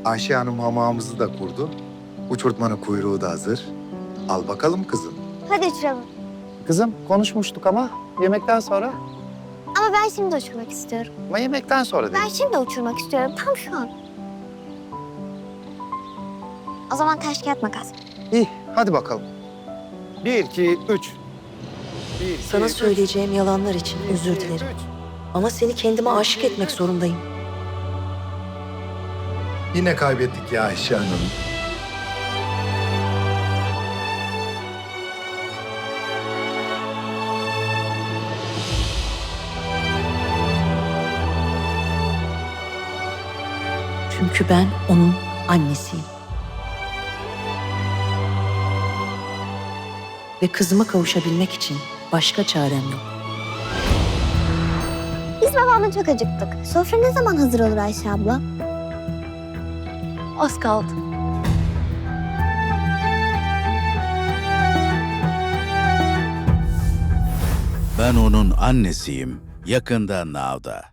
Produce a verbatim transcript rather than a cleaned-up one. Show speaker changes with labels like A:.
A: Ayşe Hanım hamamımızı da kurdu. Uçurtmanın kuyruğu da hazır. Al bakalım kızım.
B: Hadi uçuralım.
C: Kızım konuşmuştuk ama yemekten sonra.
B: Ama ben şimdi uçurmak istiyorum.
C: Ama yemekten sonra
B: Ben
C: dedim.
B: şimdi uçurmak istiyorum. Tam şu an. O zaman taş kağıt makas.
C: İyi hadi bakalım. Bir, iki, üç. Bir, iki,
D: Sana
C: üç.
D: söyleyeceğim yalanlar için
C: Bir,
D: özür
C: iki,
D: dilerim.
C: üç.
D: Ama seni kendime aşık etmek zorundayım.
A: Yine kaybettik ya Ayşe Hanım.
D: Çünkü ben onun annesiyim. Ve kızıma kavuşabilmek için başka çarem yok.
B: Biz babamla çok acıktık. Sofra ne zaman hazır olur Ayşe abla?
D: Az kaldı.
E: Ben onun annesiyim. Yakında Now'da.